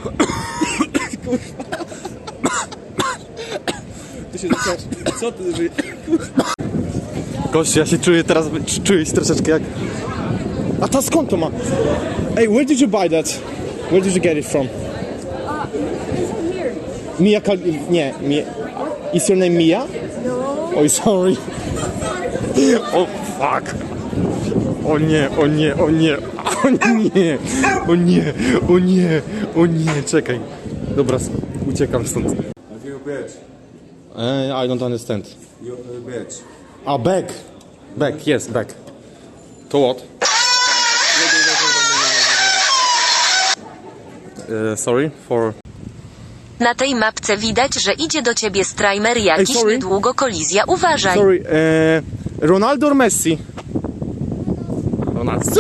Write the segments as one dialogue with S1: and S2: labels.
S1: Ty się zaczynasz... Co ty...
S2: Gościu, ja się czuję teraz, czuję się troszeczkę jak... A ta skąd to ma? Hey, where did you buy that? Where did you get it from?
S3: It's here.
S2: Mia nie, Mia... Is your name Mia?
S3: No.
S2: Oj, sorry. O, fuck. O nie, o nie, o nie. O nie, o nie, o nie, o nie, czekaj. Dobra, uciekam stąd.
S1: You bitch.
S2: I don't understand.
S1: You bitch.
S2: A, back. Back, yes, back. To what? Sorry for...
S4: Na tej mapce widać, że idzie do ciebie streamer jakiś,
S2: sorry.
S4: niedługo kolizja, uważaj.
S2: Sorry, Ronaldo or Messi? Ronaldo.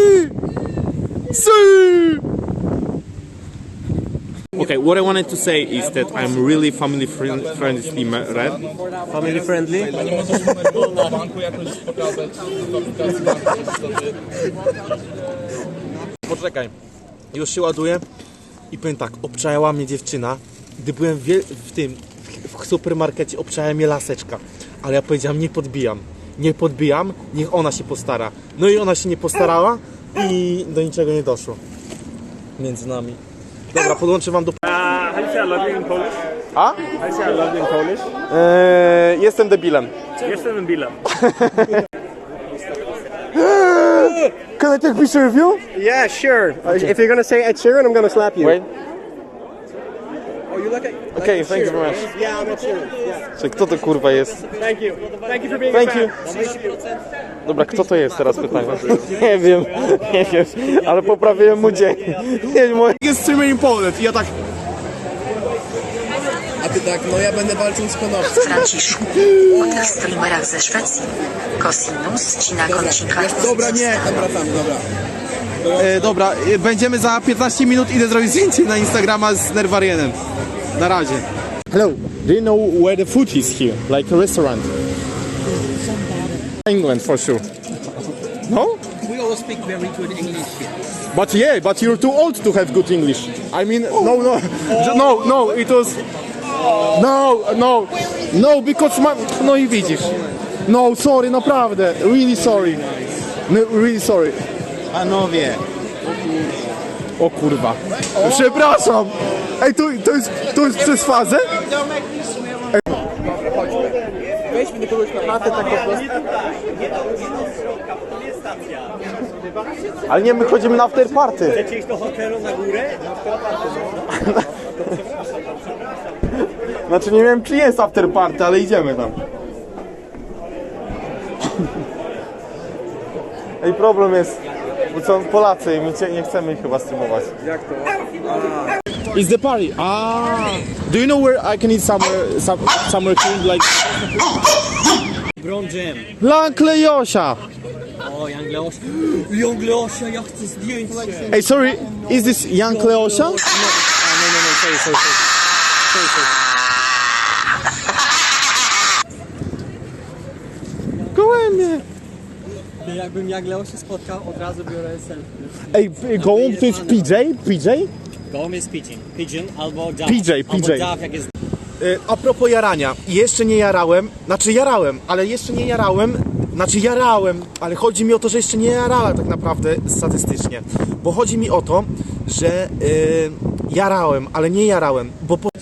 S5: Okay, what I wanted to say is that I'm really family friendly man.
S1: Family friendly?
S2: Poczekaj, już się ładuję i powiem tak, obczajała mnie dziewczyna, gdy byłem w supermarkecie, obczajała mnie laseczka, ale ja powiedziałem, nie podbijam, niech ona się postara. No i ona się nie postarała i do niczego nie doszło między nami. Dobra, podłączę wam do...
S5: How do you say I love you in Polish?
S2: A?
S5: How do you say I love you in Polish?
S2: Jestem debilem.
S5: Jestem debilem.
S2: Can I take a picture of you?
S1: Yeah, sure. If you're gonna say Ed Sheeran, I'm gonna slap you.
S2: Wait.
S1: Oh, you like it?
S2: Okay, thank you very much.
S1: Yeah, I'm Ed Sheeran. Yeah.
S2: Czy kto to kurwa jest?
S1: Thank you. Thank you for being
S2: Thank
S1: a fan.
S2: you. Dobra, kto to jest teraz pytanie? Nie wiem, ale poprawiłem mu dzień. Jest streamer in Poland i ja tak...
S1: A ty tak, no ja będę walczył z konopcem.
S4: Franciszku, o tych streamerach ze Szwecji. Cosinus ci na kończynkach.
S1: Dobra, nie. Dobra, tam, dobra.
S2: Dobra, będziemy za 15 minut, idę zrobić zdjęcie na Instagrama z Nerwarienem. Na razie. Hello, do you know where the food is here? Like a restaurant? England for sure. No?
S6: We all speak very good English here.
S2: But yeah, but you're too old to have good English. I mean, no, it was... No, because no i widzisz. No, sorry, naprawdę, really sorry. No, really sorry.
S6: Panowie,
S2: O kurwa. Przepraszam. Ej, to jest przez fazę?
S1: Weźmy do kogoś na chatę, tak po prostu.
S2: Ale nie, my chodzimy na after party.
S6: chcecie iść do hotelu na górę?
S2: Znaczy nie wiem, czy jest after party, ale idziemy tam. Ej, problem jest, bo są Polacy i my nie chcemy ich chyba streamować.
S1: Jak to?
S2: It's the party. Do you know where I can eat somewhere clean, like...
S6: Brown Jam.
S2: Blank Leosia.
S6: O, Young Leosia. Young Leosia, ja chcę zdjęcie.
S2: Hey, sorry, is this Young Leosia?
S6: No, sorry.
S2: Gołębie.
S6: Jakbym Young Leosia spotkał, od razu biorę selfie.
S2: Ej, gołąb to jest PJ?
S6: Gołąb jest pigeon albo dove.
S2: PJ.
S6: Albo dove, jak jest...
S2: A propos jarania, jeszcze nie jarałem, ale chodzi mi o to, że jeszcze nie jarałem tak naprawdę statystycznie, bo chodzi mi o to, że jarałem, ale nie jarałem, bo po...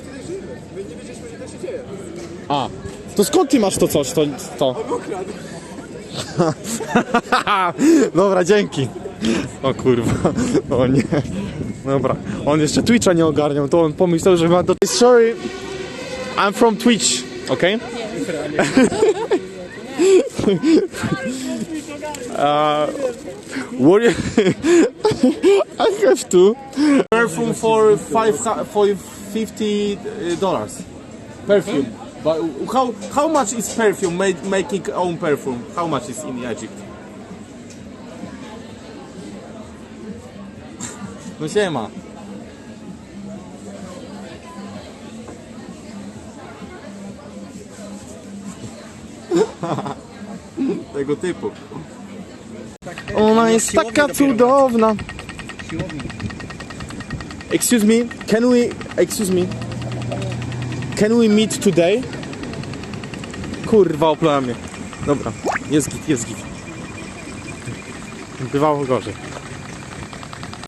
S2: A, to skąd ty masz to coś, to? Dobra, dzięki. O kurwa, o nie. Dobra, on jeszcze Twitcha nie ogarniał, to on pomyślał, że ma do... Sorry, I'm from Twitch, okay? What I have to perfume for $50. Perfume. But how much is perfume making own perfume? How much is in Egypt? No siema. Tego typu. Ona jest taka cudowna. Excuse me, can we meet today? Kurwa, oplała mnie. Dobra, jest git. Bywało gorzej.